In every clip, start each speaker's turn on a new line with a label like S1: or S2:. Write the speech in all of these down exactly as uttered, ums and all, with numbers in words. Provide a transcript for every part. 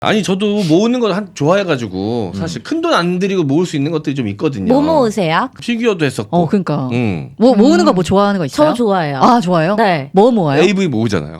S1: 아니 저도 모으는 거 한 좋아해가지고 사실 큰 돈 안 들이고 모을 수 있는 것들이 좀 있거든요.
S2: 뭐 모으세요?
S1: 피규어도 했었고.
S3: 어, 그러니까.
S1: 음.
S3: 뭐 모으는 거 뭐 좋아하는 거 있어요?
S2: 저 좋아해요.
S3: 아, 좋아요?
S2: 네.
S3: 뭐 모아요?
S1: 에이브이 모으잖아요.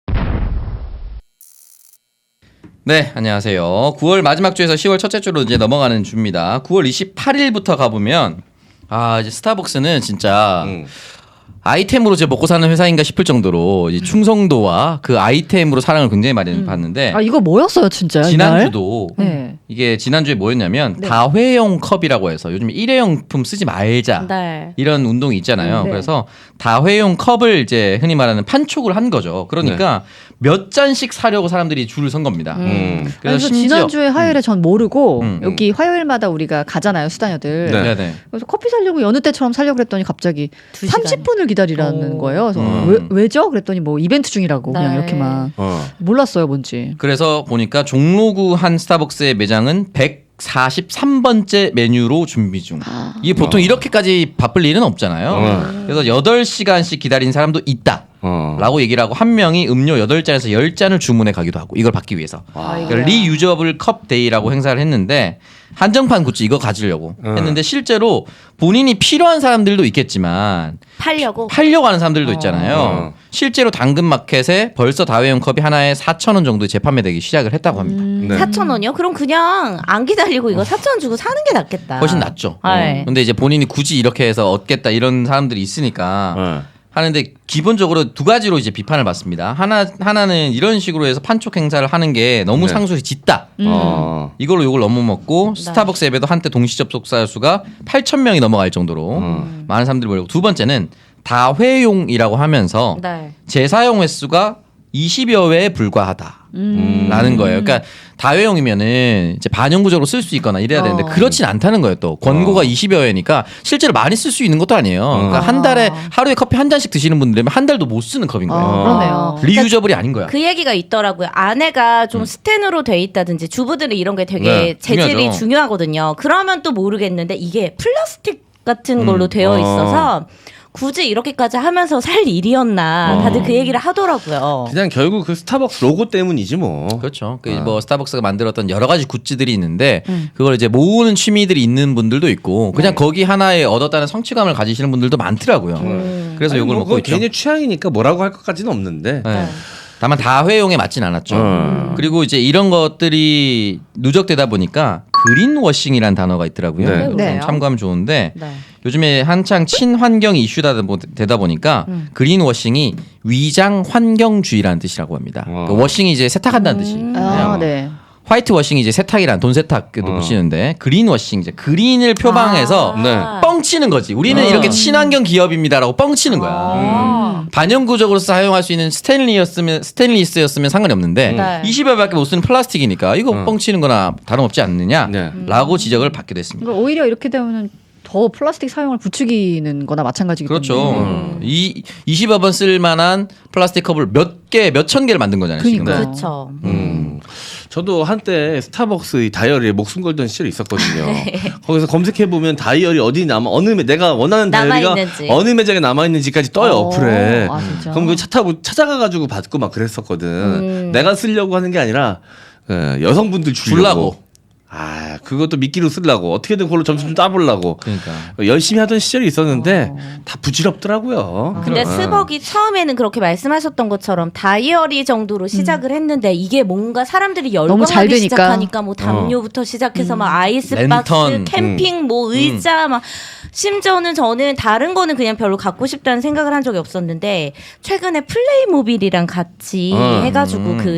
S4: 네, 안녕하세요. 구월 마지막 주에서 시월 첫째 주로 이제 넘어가는 주입니다. 구월 이십팔일부터 가보면 아 이제 스타벅스는 진짜
S1: 음.
S4: 아이템으로 제 먹고 사는 회사인가 싶을 정도로 이 충성도와 그 아이템으로 사랑을 굉장히 많이
S2: 음.
S4: 받는데
S3: 아, 이거 뭐였어요, 진짜?
S4: 지난주도
S3: 네.
S4: 이게 지난주에 뭐였냐면
S2: 네.
S4: 다회용 컵이라고 해서 요즘 일회용품 쓰지 말자
S2: 네.
S4: 이런 운동이 있잖아요.
S3: 네.
S4: 그래서 다회용 컵을 이제 흔히 말하는 판촉을 한 거죠. 그러니까 몇 잔씩 사려고 사람들이 줄을 선 겁니다.
S1: 음.
S4: 그래서
S3: 그래서
S4: 심지어
S3: 지난주에 화요일에 전 모르고
S4: 음, 음.
S3: 여기 화요일마다 우리가 가잖아요, 수다녀들.
S1: 네.
S4: 네, 네.
S3: 그래서 커피 사려고 여느 때처럼 사려고 그랬더니 갑자기
S2: 두 시간.
S3: 삼십 분을 기다리라는
S2: 오.
S3: 거예요. 그래서
S1: 음.
S3: 왜, 왜죠? 그랬더니 뭐 이벤트 중이라고 그냥
S2: 네.
S3: 이렇게만.
S1: 어.
S3: 몰랐어요, 뭔지.
S4: 그래서 보니까 종로구 한 스타벅스의 매장은 백사십삼 번째 메뉴로 준비 중. 이게 보통
S1: 어.
S4: 이렇게까지 바쁠 일은 없잖아요.
S1: 어.
S4: 그래서 여덟 시간씩 기다린 사람도 있다.
S1: 어.
S4: 라고 얘기를 하고 한 명이 음료 여덟 잔에서 열 잔을 주문해 가기도 하고 이걸 받기 위해서.
S1: 아.
S4: 그러니까 리유저블 컵 데이라고 행사를 했는데 한정판 굿즈 이거 가지려고
S1: 어.
S4: 했는데 실제로 본인이 필요한 사람들도 있겠지만
S2: 팔려고.
S4: 팔려고 하는 사람들도 있잖아요.
S1: 어.
S4: 실제로 당근마켓에 벌써 다회용 컵이 하나에 사천 원 정도 재판매되기 시작을 했다고 합니다.
S1: 네.
S2: 사천 원이요? 그럼 그냥 안 기다리고 이거 사천 원 주고 사는 게 낫겠다.
S4: 훨씬 낫죠.
S2: 네.
S4: 근데 이제 본인이 굳이 이렇게 해서 얻겠다 이런 사람들이 있으니까
S1: 어.
S4: 하는데 기본적으로 두 가지로 이제 비판을 받습니다. 하나 하나는 이런 식으로 해서 판촉 행사를 하는 게 너무
S1: 네.
S4: 상술이 짙다.
S1: 어.
S4: 이걸로 욕을 너무 먹고 스타벅스 앱에도 한때 동시 접속자 수가 팔천 명이 넘어갈 정도로
S1: 음.
S4: 많은 사람들이 몰리고 두 번째는 다회용이라고 하면서
S2: 네.
S4: 재사용 횟수가 이십여 회에 불과하다.
S1: 음.
S4: 라는 거예요. 그러니까 다회용이면은 이제 반영구적으로 쓸 수 있거나 이래야 되는데
S2: 어.
S4: 그렇진 않다는 거예요. 또 권고가
S1: 어.
S4: 이십여 회니까 실제로 많이 쓸 수 있는 것도 아니에요. 그러니까 한 달에 하루에 커피 한 잔씩 드시는 분들이면 한 달도 못 쓰는 컵인 거예요.
S3: 아, 그러네요.
S4: 리유저블이 아닌 거야.
S2: 그 얘기가 있더라고요. 안에가 좀 스텐으로 돼 있다든지 주부들은 이런 게 되게
S4: 네,
S2: 재질이
S4: 중요하죠.
S2: 중요하거든요. 그러면 또 모르겠는데 이게 플라스틱 같은 걸로
S4: 음.
S2: 되어
S1: 어.
S2: 있어서 굳이 이렇게까지 하면서 살 일이었나
S1: 어.
S2: 다들 그 얘기를 하더라고요.
S1: 그냥 결국 그 스타벅스 로고 때문이지 뭐.
S4: 그렇죠. 그
S1: 어.
S4: 뭐 스타벅스가 만들었던 여러 가지 굿즈들이 있는데
S2: 음.
S4: 그걸 이제 모으는 취미들이 있는 분들도 있고 그냥 거기 하나에 얻었다는 성취감을 가지시는 분들도 많더라고요.
S2: 음.
S4: 그래서
S1: 아니,
S4: 욕을
S1: 뭐
S4: 먹고
S1: 그건
S4: 있죠.
S1: 개인의 취향이니까 뭐라고 할 것까지는 없는데.
S4: 네. 다만 다회용에 맞진 않았죠.
S1: 음.
S4: 그리고 이제 이런 것들이 누적되다 보니까 그린워싱이라는 단어가 있더라고요.
S1: 네.
S4: 좀
S3: 네.
S4: 참고하면 좋은데
S2: 네.
S4: 요즘에 한창 친환경 이슈다 보- 되다 보니까
S2: 음.
S4: 그린워싱이 위장 환경주의라는 뜻이라고 합니다.
S1: 어.
S4: 그 워싱이 이제 세탁한다는
S2: 음.
S4: 뜻이에요.
S3: 아, 네.
S4: 화이트 워싱이 이제 세탁이란 돈 세탁도
S1: 어.
S4: 붙이는데 그린 워싱 이제 그린을 표방해서
S2: 아.
S1: 네.
S4: 뻥치는 거지. 우리는
S1: 어.
S4: 이렇게 친환경 기업입니다라고 뻥치는 거야.
S2: 아.
S4: 반영구적으로 사용할 수 있는 스테인리였으면 스테인리스였으면 상관이 없는데
S2: 네.
S4: 이십 회밖에 못 쓰는 플라스틱이니까 이거
S1: 어.
S4: 뻥치는 거나 다름없지 않느냐라고
S1: 네.
S4: 지적을 받게 됐습니다.
S3: 그러니까 오히려 이렇게 되면은 더 플라스틱 사용을 부추기는 거나 마찬가지기
S4: 그렇죠.
S3: 때문에.
S1: 음.
S4: 이 이십여 번 쓸 만한 플라스틱 컵을 몇 개, 몇 천 개를 만든 거잖아요. 지금.
S3: 그러니까요.
S2: 그렇죠.
S1: 음. 저도 한때 스타벅스 이 다이어리에 목숨 걸던 시절이 있었거든요.
S2: 네.
S1: 거기서 검색해 보면 다이어리 어디 남아 어느 매, 내가 원하는 다이어리가
S2: 남아있는지.
S1: 어느 매장에 남아 있는지까지 떠요
S3: 어.
S1: 어플에.
S3: 아, 진짜?
S1: 그럼 그 차 타고 찾아가 가지고 받고 막 그랬었거든.
S2: 음.
S1: 내가 쓰려고 하는 게 아니라 어, 여성분들 주려고.
S4: 주려고.
S1: 아 그것도 미끼로 쓰려고 어떻게든 그걸로 점수 좀 따보려고
S4: 그러니까.
S1: 열심히 하던 시절이 있었는데 다 부질없더라고요.
S2: 근데
S1: 어.
S2: 스벅이 처음에는 그렇게 말씀하셨던 것처럼 다이어리 정도로 시작을 했는데 이게 뭔가 사람들이
S3: 너무 잘
S2: 열광하기
S3: 되니까.
S2: 시작하니까 뭐 담요부터 시작해서 막 아이스박스,
S4: 랜턴,
S2: 캠핑, 뭐 의자 막 심지어는 저는 다른 거는 그냥 별로 갖고 싶다는 생각을 한 적이 없었는데 최근에 플레이모빌이랑 같이
S1: 음.
S2: 해가지고 그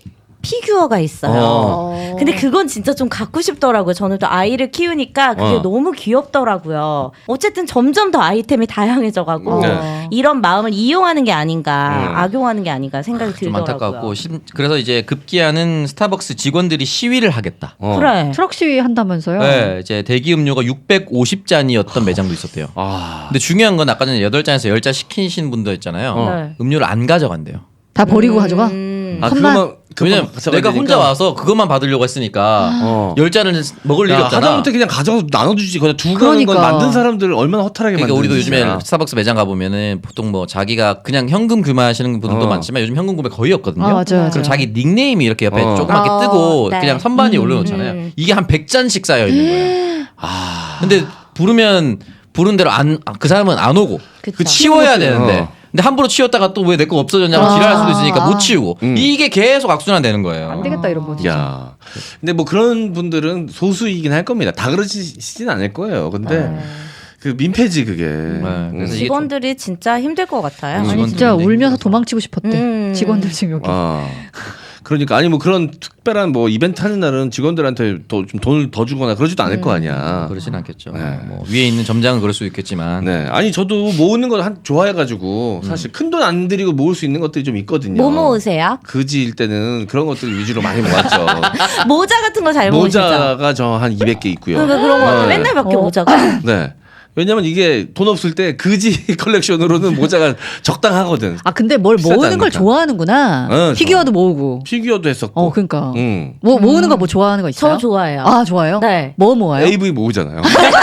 S2: 피규어가 있어요.
S1: 어.
S2: 근데 그건 진짜 좀 갖고 싶더라고요. 저는 또 아이를 키우니까 그게
S1: 어.
S2: 너무 귀엽더라고요. 어쨌든 점점 더 아이템이 다양해져가고
S1: 네.
S2: 이런 마음을 이용하는 게 아닌가,
S1: 음.
S2: 악용하는 게 아닌가 생각이
S4: 좀
S2: 들더라고요.
S4: 안타깝고 심- 그래서 이제 급기야는 스타벅스 직원들이 시위를 하겠다.
S1: 어.
S2: 그래.
S3: 트럭 시위 한다면서요?
S4: 네, 이제 대기 음료가 육백오십 잔이었던 매장도 있었대요.
S1: 아.
S4: 근데 중요한 건 아까 전에 여덟 잔에서 열 잔 시키신 분도 있잖아요.
S1: 어.
S2: 네.
S4: 음료를 안 가져간대요.
S3: 다 버리고
S2: 음.
S3: 가져가?
S2: 음.
S1: 아
S3: 컵만-
S1: 그거만
S4: 왜냐면 내가 혼자 와서 그것만 받으려고 했으니까
S1: 어.
S4: 열 잔을 먹을 일이
S1: 야,
S4: 없잖아.
S1: 하다못해 그냥 가져가서 나눠주지. 그냥 두고 가는 건
S3: 그러니까.
S1: 만든 사람들을 얼마나 허탈하게
S4: 그러니까 우리도
S1: 만드는지.
S4: 요즘에 스타벅스 매장 가보면은 보통 뭐 자기가 그냥 현금 구매하시는 분들도
S1: 어.
S4: 많지만 요즘 현금 구매 거의 없거든요.
S3: 아, 맞아요, 맞아요.
S4: 그럼 자기 닉네임이 이렇게 옆에
S1: 어.
S4: 조그맣게
S2: 어,
S4: 뜨고
S2: 네.
S4: 그냥 선반이 올려놓잖아요.
S2: 음.
S4: 이게 한 백 잔씩 쌓여 있는 거예요.
S1: 아,
S4: 근데 부르면 부른 대로 안 그 사람은 안 오고
S2: 그쵸.
S4: 그 치워야 되는데
S1: 어.
S4: 근데 함부로 치웠다가 또 왜 내 거 없어졌냐고
S3: 아.
S4: 지랄할 수도 있으니까 못 치우고
S1: 음.
S4: 이게 계속 악순환 되는 거예요.
S3: 안 되겠다 이런 거 진짜.
S1: 야. 근데 뭐 그런 분들은 소수이긴 할 겁니다. 다 그러시진 않을 거예요. 근데 그 민폐지 그게. 음.
S4: 그래서 이게
S2: 직원들이 진짜 힘들 것 같아요.
S4: 음.
S3: 아니
S4: 직원들이
S3: 진짜
S4: 네,
S3: 울면서
S4: 그래서.
S3: 도망치고 싶었대.
S2: 음.
S3: 직원들 지금 여기.
S1: 아. 그러니까 아니 뭐 그런 특별한 뭐 이벤트 하는 날은 직원들한테 더 좀 돈을 더 주거나 그러지도 않을 거 아니야.
S4: 그러진 않겠죠.
S1: 네.
S4: 뭐 위에 있는 점장은 그럴 수 있겠지만
S1: 네. 아니 저도 모으는 걸 한 좋아해가지고 사실 큰 돈 안 들이고 모을 수 있는 것들이 좀 있거든요.
S2: 뭐 모으세요?
S1: 그지일 때는 그런 것들 위주로 많이 모았죠.
S2: 모자 같은 거 잘 모으시죠?
S1: 모자가 저 한 이백 개 있고요.
S2: 그러니까 그런 거
S1: 네.
S2: 맨날 밖에
S3: 어.
S2: 모자가.
S1: 네. 왜냐면 이게 돈 없을 때 그지 컬렉션으로는 모자가 적당하거든.
S3: 아 근데 뭘
S1: 비싸지
S3: 모으는 걸
S1: 않으니까.
S3: 좋아하는구나.
S1: 어,
S3: 피규어도 모으고.
S1: 피규어도 했었고.
S3: 어 그러니까.
S1: 응.
S3: 뭐 모으는 거 뭐 좋아하는 거 있어요?
S2: 저 좋아해요.
S3: 아 좋아요?
S2: 네.
S3: 뭐 모아요?
S1: 에이브이 모으잖아요.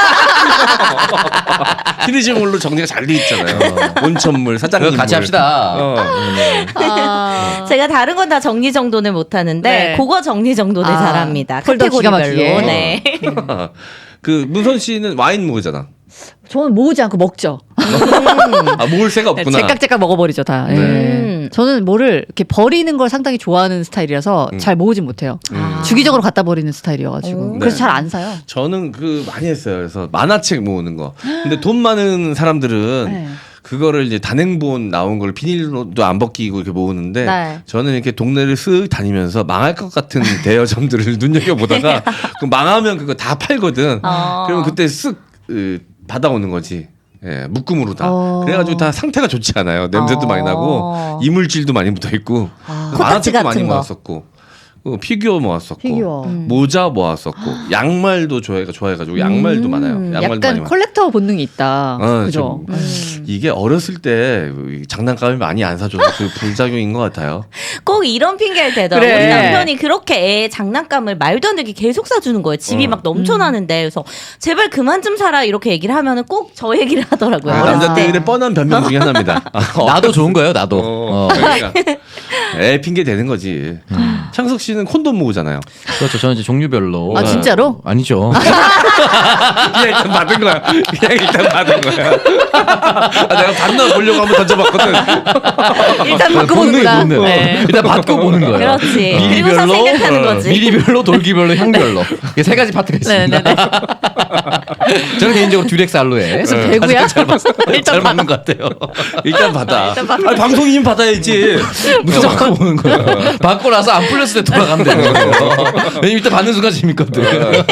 S1: 시리즈물로 정리가 잘 돼 있잖아요. 온천물, 사장님.
S4: 그거 같이 합시다.
S1: 어.
S3: 아.
S2: 제가 다른 건 다 정리 정돈을 못 하는데
S3: 네.
S2: 그거 정리 정돈을
S3: 아,
S2: 잘합니다.
S3: 폴더 기가
S2: 카테고리별로.
S3: 막히게.
S2: 네.
S1: 그 문선 씨는 와인 모으잖아.
S3: 저는 모으지 않고 먹죠.
S1: 아 모을 새가 없구나.
S3: 제깍제깍 먹어버리죠 다. 예.
S2: 음.
S3: 저는 뭐를 이렇게 버리는 걸 상당히 좋아하는 스타일이라서
S1: 음.
S3: 잘 모으진 못해요.
S2: 아.
S3: 주기적으로 갖다 버리는 스타일이어가지고
S2: 오.
S3: 그래서
S1: 네.
S3: 잘 안 사요.
S1: 저는 그 많이 했어요. 그래서 만화책 모으는 거. 근데 돈 많은 사람들은
S3: 네.
S1: 그거를 이제 단행본 나온 걸 비닐로도 안 벗기고 이렇게 모으는데
S2: 네.
S1: 저는 이렇게 동네를 쓱 다니면서 망할 것 같은 대여점들을 눈여겨 보다가 그 망하면 그거 다 팔거든.
S2: 어.
S1: 그러면 그때 쓱 으, 받아오는 거지. 예, 묶음으로 다.
S3: 어.
S1: 그래가지고 다 상태가 좋지 않아요. 냄새도
S2: 어.
S1: 많이 나고 이물질도 많이 묻어 있고
S3: 아.
S2: 코딱지
S1: 만화책도 많이
S2: 같은 거.
S1: 모았었고. 어, 피규어 모았었고
S3: 피규어.
S2: 음.
S1: 모자 모았었고 양말도 좋아해가 좋아해가지고 양말도
S2: 음.
S1: 많아요. 양말도 많이
S3: 약간
S1: 많아요.
S3: 콜렉터 본능이 있다.
S1: 어,
S3: 그죠?
S1: 좀.
S2: 음.
S1: 이게 어렸을 때 장난감을 많이 안 사줘서 그 부작용인 것 같아요.
S2: 꼭 이런 핑계를 대더라고.
S3: 그래.
S2: 우리 남편이 그렇게 애 장난감을 말도 안 되게 계속 사주는 거예요. 집이
S1: 어.
S2: 막 넘쳐나는데 그래서 제발 그만 좀 사라 이렇게 얘기를 하면은 꼭 저 얘기를 하더라고요.
S1: 아,
S2: 어렸을 때.
S1: 남자들의 뻔한 변명 중에 하나입니다. 아,
S4: 나도 좋은 거예요. 나도.
S1: 어,
S4: 어.
S1: 그러니까. 애 핑계 대는 거지. 창석 씨는 콘돔 모으잖아요.
S4: 그렇죠. 저는 이제 종류별로.
S3: 아, 진짜로?
S4: 아니죠.
S1: 그냥 일단 받은 거야. 그냥 일단 받은 거야. 아, 내가 받나 보려고 한번 던져봤거든.
S3: 일단
S4: 본능이
S3: 바꿔보는구나.
S4: 본능.
S3: 네.
S4: 일단 받고 보는 거예요.
S2: 그렇지. 그리고서
S4: 미리별로,
S2: 생각하는
S4: 어,
S2: 거지.
S4: 미리별로, 돌기별로, 향별로. 이게 세 가지 파트가 있습니다.
S3: 네네네.
S4: 저는 개인적으로 듀렉스 알로에
S3: 그래서 배구야?
S4: 잘, 맞, 잘 맞는 것 같아요.
S1: 일단 받아. 아니, 방송이면 받아야지.
S4: 무슨 받고 보는 거예요. 받고 나서 안 풀렸을 때 돌아가면 되는 거예요. 왜냐면 일단 받는 순간 재밌거든.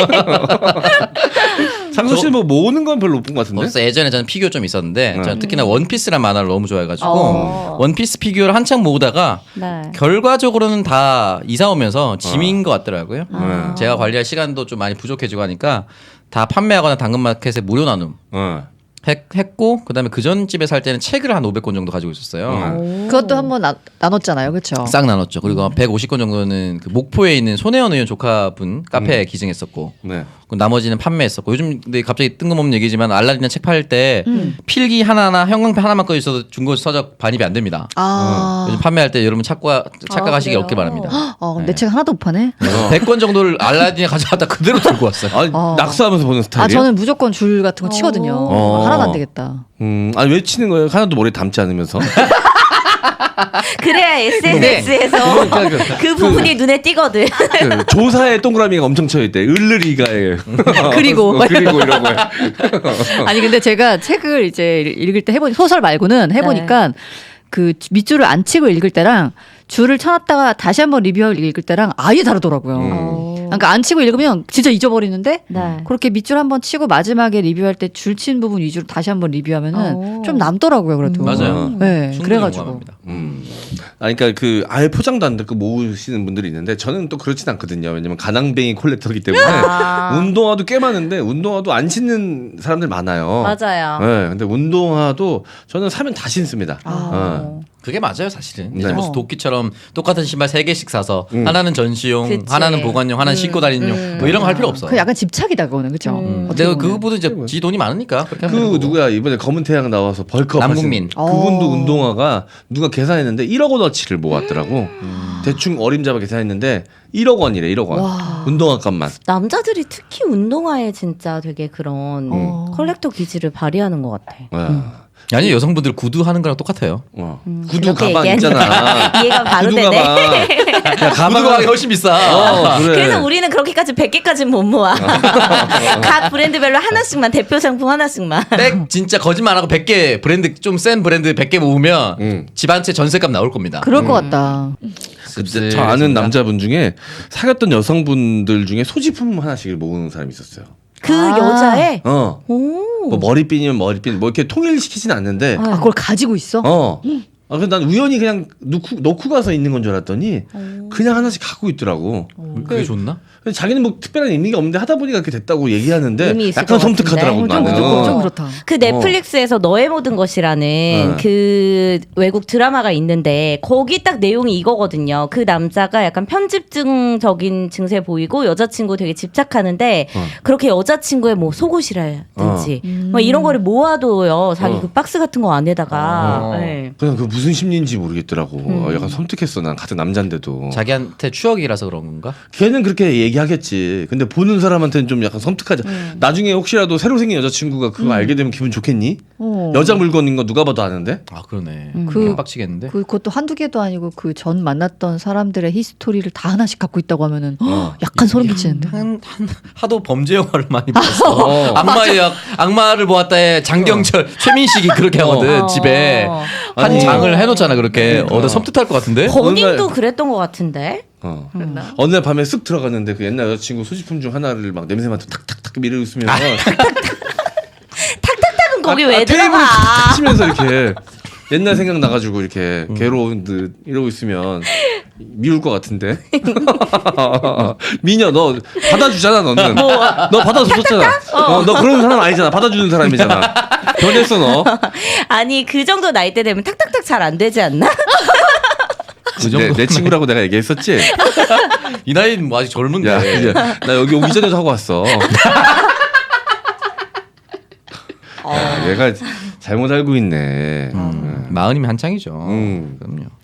S1: 창석 씨는 뭐 모으는 건 별로 못 본 것 같은데.
S4: 그래서 예전에 저는 피규어 좀 있었는데
S1: 네.
S4: 저는 특히나 원피스란 만화를 너무 좋아해가지고
S2: 어.
S4: 원피스 피규어를 한창 모으다가
S2: 네.
S4: 결과적으로는 다 이사 오면서 짐인 것 같더라고요.
S1: 아.
S4: 제가 관리할 시간도 좀 많이 부족해지고 하니까 다 판매하거나 당근마켓에 무료 나눔
S1: 어.
S4: 했, 했고 그다음에 그 전 집에 살 때는 책을 한 오백 권 정도 가지고 있었어요.
S1: 음.
S3: 그것도 한번 나- 나눴잖아요. 그렇죠?
S4: 싹 나눴죠. 그리고 백오십 권 정도는 그 목포에 있는 손혜원 의원 조카분 카페에 기증했었고
S1: 네.
S4: 그 나머지는 판매했었고 요즘 근데 갑자기 뜬금없는 얘기지만 알라딘 책 팔 때
S3: 음.
S4: 필기 하나나 형광펜 하나만 꺼 있어도 중고 서적 반입이 안 됩니다.
S3: 아.
S4: 요즘 판매할 때 여러분 착과 착각하시기
S2: 그래요?
S4: 없길 바랍니다.
S3: 어, 그럼 내 책 하나도 못 파네.
S1: 어.
S4: 백 권 정도를 알라딘에 가져갔다 그대로 들고 왔어요.
S1: 아니,
S3: 어.
S1: 낙서하면서 보는
S3: 아
S1: 스타일이에요?
S3: 저는 무조건 줄 같은 거 치거든요.
S1: 어.
S3: 하나도 안 되겠다.
S1: 음, 아니 왜 치는 거예요? 하나도 머리에 담지 않으면서.
S2: 그래야 에스엔에스에서 그 부분이 눈에 띄거든.
S1: 그 조사에 동그라미가 엄청 쳐 있대. 을르리가에.
S3: 그리고.
S1: 어, 그리고 이런 거.
S3: 아니 근데 제가 책을 이제 읽을 때 해보니 소설 말고는 해보니까 그 밑줄을 안 치고 읽을 때랑 줄을 쳐놨다가 다시 한번 리뷰하고 읽을 때랑 아예 다르더라고요.
S1: 음.
S3: 그러니까 안 치고 읽으면 진짜 잊어버리는데
S2: 네.
S3: 그렇게 밑줄 한번 치고 마지막에 리뷰할 때 줄 친 부분 위주로 다시 한번 리뷰하면은
S2: 오.
S3: 좀 남더라고요. 그래도.
S4: 맞아요.
S3: 네,
S4: 충분히
S3: 그래가지고.
S4: 공감합니다.
S1: 음. 아니, 그러니까 그 아예 포장도 안 듣고 모으시는 분들이 있는데 저는 또 그렇진 않거든요. 왜냐면 가낭뱅이 콜렉터이기 때문에
S2: 아.
S1: 운동화도 꽤 많은데 운동화도 안 신는 사람들 많아요.
S2: 맞아요.
S1: 네, 근데 운동화도 저는 사면 다 신습니다.
S3: 아.
S1: 어.
S4: 그게 맞아요, 사실은.
S1: 네.
S4: 이제 무슨 도끼처럼 똑같은 신발 세 개씩 사서
S1: 음.
S4: 하나는 전시용,
S2: 그치.
S4: 하나는 보관용, 하나는 신고 다니는 용, 뭐 이런 거 할 필요 없어.
S3: 그 약간 집착이다 그거는 그죠?
S2: 음.
S3: 어떻게
S4: 내가
S3: 보면.
S4: 그거보다 이제 지 돈이 많으니까 그렇게 하면
S1: 그
S4: 되는 거고.
S1: 누구야 이번에 검은 태양 나와서 벌크업
S4: 남궁민.
S1: 하신 그분도
S3: 어.
S1: 운동화가 누가 계산했는데 일억 원어치를 모았더라고. 대충 어림잡아 계산했는데 일억 원이래 일억 원.
S3: 와.
S1: 운동화 값만.
S2: 남자들이 특히 운동화에 진짜 되게 그런
S3: 어.
S2: 컬렉터 기질을 발휘하는 것 같아.
S1: 와.
S4: 아니 여성분들 구두 하는 거랑 똑같아요.
S1: 어.
S2: 음,
S1: 구두
S2: 그렇게
S1: 가방
S2: 얘기하니까
S1: 있잖아.
S2: 이해가 바로
S1: 구두
S2: 되네.
S1: 가방. 야,
S4: 구두
S1: 가방
S4: 가방이 훨씬 비싸.
S1: 어, 그래.
S2: 그래서 우리는 그렇게까지 백 개까지는 못 모아. 각 브랜드별로 하나씩만 대표 상품 하나씩만.
S4: 백 진짜 거짓말 안 하고 백 개 브랜드 좀 센 브랜드 백 개 모으면
S1: 음.
S4: 집 한 채 전세값 나올 겁니다.
S3: 그럴 것 같다.
S1: 근데 저 아는 남자분 중에 사귀었던 여성분들 중에 소지품 하나씩을 모으는 사람이 있었어요.
S2: 그
S3: 아.
S2: 여자애.
S1: 어.
S2: 오.
S1: 뭐 머리핀이면 머리핀 뭐 이렇게 통일시키진 않는데
S3: 아, 그걸 가지고 있어?
S1: 어. 아, 근데 난 우연히 그냥 놓고, 놓고 가서 있는 건 줄 알았더니 그냥 하나씩 갖고 있더라고.
S4: 그게 좋나?
S1: 근데 자기는 뭐 특별한 의미가 없는데 하다 보니까 그렇게 됐다고 얘기하는데
S2: 의미 있을
S1: 약간
S2: 것
S1: 섬뜩하더라고
S2: 같은데.
S3: 좀,
S1: 나는.
S3: 좀, 좀 그렇다.
S2: 그 넷플릭스에서 너의 모든 것이라는
S1: 네.
S2: 그 외국 드라마가 있는데 거기 딱 내용이 이거거든요. 그 남자가 약간 편집증적인 증세 보이고 여자친구 되게 집착하는데
S1: 어.
S2: 그렇게 여자친구의 뭐 속옷이라든지
S3: 어.
S2: 뭐 이런 거를 모아둬요. 자기
S1: 어.
S2: 그 박스 같은 거 안에다가.
S4: 어.
S2: 네.
S1: 그냥 그 무슨 심리인지 모르겠더라고.
S2: 음.
S1: 어, 약간 섬뜩했어. 난 같은 남잔데도.
S4: 자기한테 추억이라서 그런 건가?
S1: 걔는 그렇게 얘기하겠지. 근데 보는 사람한테는 좀 약간 섬뜩하지.
S2: 음.
S1: 나중에 혹시라도 새로 생긴 여자친구가 그거 알게 되면 기분 좋겠니?
S3: 어.
S1: 여자 물건인 거 누가 봐도 아는데?
S4: 아 그러네.
S3: 그-
S4: 그 빡치겠는데.
S3: 그, 그것도 한두 개도 아니고 그 전 만났던 사람들의 히스토리를 다 하나씩 갖고 있다고 하면은
S1: 어.
S3: 약간 소름 끼치는데.
S4: 한, 한 하도 범죄 영화를 많이 봤어.
S1: 어.
S4: 악마의 약, 악마를 보았다에 장경철, 최민식이 그렇게 하거든
S2: 어.
S4: 집에 한
S1: 아니.
S4: 장을 해놓잖아 그렇게.
S1: 어.
S4: 어, 나 섬뜩할 것 같은데.
S2: 본인도
S1: 어느 날-
S2: 그랬던 것 같은데.
S1: 어.
S3: 그랬나?
S1: 어느 날 밤에 쓱 들어갔는데 그 옛날 여자친구 소지품 중 하나를 막 냄새 맡아 탁탁탁 미르고 있으면
S2: 탁탁탁은 거기
S1: 아,
S2: 왜
S1: 아, 테이블을
S2: 들어가?
S1: 탁탁 치면서 이렇게 옛날 생각 나가지고 이렇게 괴로운 듯 이러고 있으면 미울 것 같은데. 미녀 너 받아주잖아 너는. 너 받아줬었잖아. 어, 너 그런 사람 아니잖아. 받아주는 사람이잖아. 변했어 너.
S2: 아니 그 정도 나이대 되면 탁탁탁 잘 안 되지 않나?
S4: 그
S1: 내,
S4: 정도.
S1: 내 친구라고 내가 얘기했었지.
S4: 이 나이는 뭐 아직 젊은데.
S1: 야 이제 나 여기 오기 전에도 하고 왔어. 야, 얘가 잘못 알고 있네.
S4: 음, 마흔이면 한창이죠.
S1: 음.
S4: 그럼요.